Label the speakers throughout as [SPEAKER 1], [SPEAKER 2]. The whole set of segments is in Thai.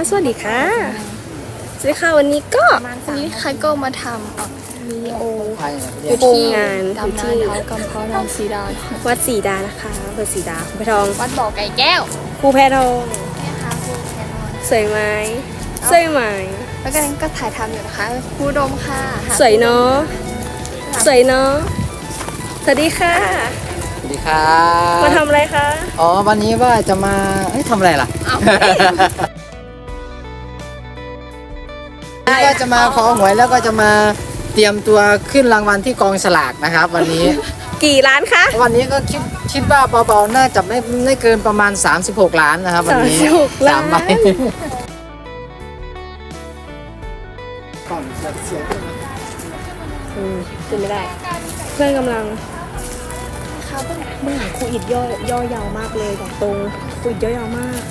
[SPEAKER 1] สวัสดีค่ะสวัสดีค่ะวันนี้ใครก็มาทำวิดีโออยู่ที่งานอยู่ที่
[SPEAKER 2] กำเพานางสีดา
[SPEAKER 1] วัดศรีดานะคะอำเภอศรีดาครูแพทอง
[SPEAKER 2] วัดบ่อไก่แก้ว
[SPEAKER 1] ครูแพทอง
[SPEAKER 2] เนี่ยค่ะครูแคนอน
[SPEAKER 1] สวยไหมสวยไหม
[SPEAKER 2] แล้วก็นั้นก็ถ่ายทำอยู่นะคะครูดมค่ะหา
[SPEAKER 1] สวยเนาะสวยเนาะสวัสดีค่ะ
[SPEAKER 3] สวัสดีครับ
[SPEAKER 1] มาทำอะไรคะ
[SPEAKER 3] อ๋อวันนี้ว่าจะมาทำอะไรล่ะก็จะมาขอหวยแล้วก็จะมาเตรียมตัวขึ้นรางวัลที่กองสลากนะครับ วันนี้
[SPEAKER 1] กี่ล้านคะ
[SPEAKER 3] วันนี้ก็คิดว่าเบาๆน่าจะไม่เกินประมาณ36 ล้านนะครับวันนี้
[SPEAKER 1] 36 ล้าน
[SPEAKER 3] 3 ใบ
[SPEAKER 1] ขึ้นไม่ได้ เพื่อนกำลังเบื้องหลังครูอิดย่อยาวมากเลยบอกตรงครูอิดย่อยาวมาก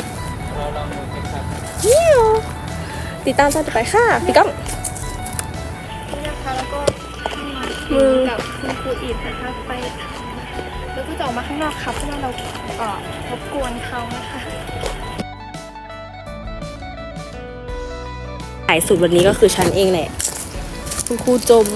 [SPEAKER 1] นี่ติดตามตอนต่อไปค่ะพี่ก้อง
[SPEAKER 2] นี่นะคะแล้วก็
[SPEAKER 1] มือ
[SPEAKER 2] กับคุณครูอิดนะคะไปแล้วก็จะออกมาข้างนอกครับเพราะว่าเรารบกวนเขานะคะ
[SPEAKER 1] สายสุดวันนี้ก็คือฉันเองแหละคุณครูจม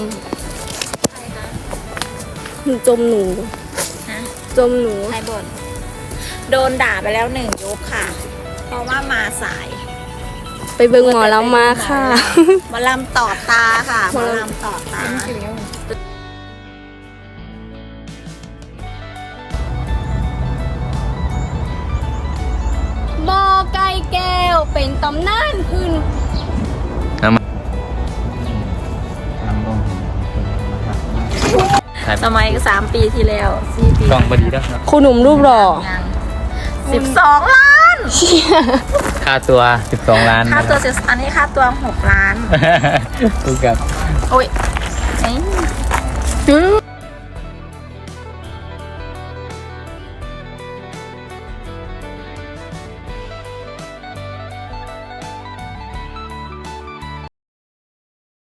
[SPEAKER 1] หนูจมหนูจมหนู
[SPEAKER 4] ใครบ่นโดนด่าไปแล้ว1 ยกค่ะ เพราะว่ามาสาย
[SPEAKER 1] ไปเบิ่งหมอแล้วมาค่ะ
[SPEAKER 4] หมาลำต่อตาค่ะหมาลำต่อตา
[SPEAKER 1] บอไก่แก้วเป็นตำนานขึ้น
[SPEAKER 4] สมัย3 ปีที่แล้ว4 ปี
[SPEAKER 5] กล้องบดีแล้วครับ
[SPEAKER 1] ครูหนุ่มรูปหล่อ
[SPEAKER 4] 12 ล้าน
[SPEAKER 5] ค่าตัว 12 ล้าน
[SPEAKER 4] ค่าตัวอันนี้ค่าตัว6 ล้าน
[SPEAKER 5] ถูกกับ
[SPEAKER 4] โอ้ยเอ้ย